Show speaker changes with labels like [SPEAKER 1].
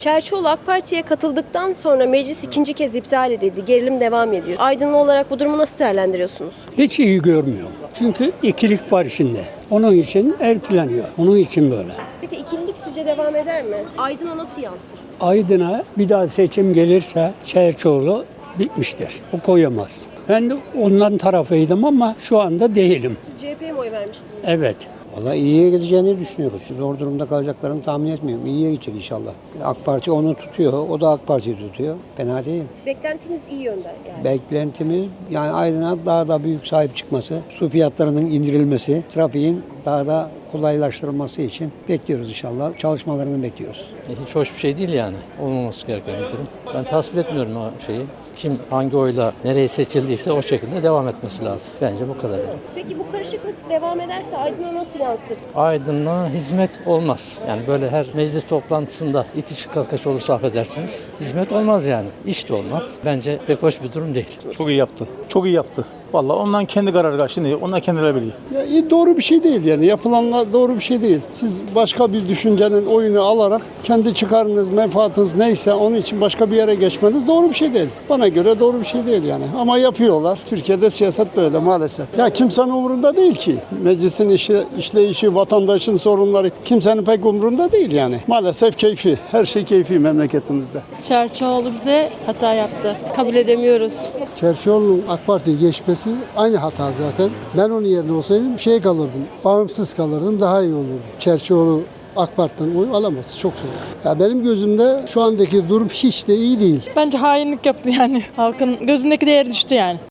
[SPEAKER 1] Çerçioğlu AK Parti'ye katıldıktan sonra meclis ikinci kez iptal edildi. Gerilim devam ediyor. Aydınlı olarak bu durumu nasıl değerlendiriyorsunuz?
[SPEAKER 2] Hiç iyi görmüyorum. Çünkü ikilik var içinde. Onun için erteleniyor. Onun için böyle.
[SPEAKER 1] Peki ikilik sizce devam eder mi? Aydın'a nasıl yansır?
[SPEAKER 2] Aydın'a bir daha seçim gelirse Çerçioğlu bitmiştir. O koyamaz. Ben de ondan tarafıydım ama şu anda değilim.
[SPEAKER 1] Siz CHP'ye mi oy vermiştiniz?
[SPEAKER 2] Evet.
[SPEAKER 3] Valla iyiye gideceğini düşünüyoruz. Zor durumda kalacaklarını tahmin etmiyorum. İyiye gidecek inşallah. AK Parti onu tutuyor, o da AK Parti'yi tutuyor. Fena değil.
[SPEAKER 1] Beklentiniz iyi yönde yani.
[SPEAKER 3] Beklentimiz yani Aydın'a daha da büyük sahip çıkması, su fiyatlarının indirilmesi, trafiğin daha da kolaylaştırılması için bekliyoruz inşallah. Çalışmalarını bekliyoruz.
[SPEAKER 4] Hiç hoş bir şey değil yani. Olmaması gereken bir durum. Ben tasvip etmiyorum o şeyi. Kim hangi oyla nereye seçildiyse o şekilde devam etmesi lazım. Bence bu kadar.
[SPEAKER 1] Peki bu karışıklık devam ederse Aydın'a nasıl yansır?
[SPEAKER 4] Aydın'a hizmet olmaz. Yani böyle her meclis toplantısında itiş kakış olursa affedersiniz. Hizmet olmaz yani. İş de olmaz. Bence pek hoş bir durum değil.
[SPEAKER 5] Çok iyi yaptı. Çok iyi yaptı. Vallahi ondan kendi kararı kaçtı. Şimdi onlar kendileri biliyor.
[SPEAKER 6] Doğru bir şey değil yani. Yapılanlar doğru bir şey değil. Siz başka bir düşüncenin oyunu alarak kendi çıkarınız, menfaatiniz neyse onun için başka bir yere geçmeniz doğru bir şey değil. Bana göre doğru bir şey değil yani. Ama yapıyorlar. Türkiye'de siyaset böyle maalesef. Ya kimsenin umurunda değil ki. Meclisin işleyişi, vatandaşın sorunları kimsenin pek umurunda değil yani. Maalesef keyfi. Her şey keyfi memleketimizde.
[SPEAKER 7] Çerçioğlu bize hata yaptı. Kabul edemiyoruz.
[SPEAKER 8] Çerçioğlu'nun AK Parti'ye geçmesi aynı hata zaten. Ben onun yerine olsaydım kalırdım. Bağımsız kalırdım, daha iyi olurdu. Çerçioğlu AK Parti'den oy alamaz. Çok zor. Ya benim gözümde şu andaki durum hiç de iyi değil.
[SPEAKER 7] Bence hainlik yaptı yani. Halkın gözündeki değeri düştü yani.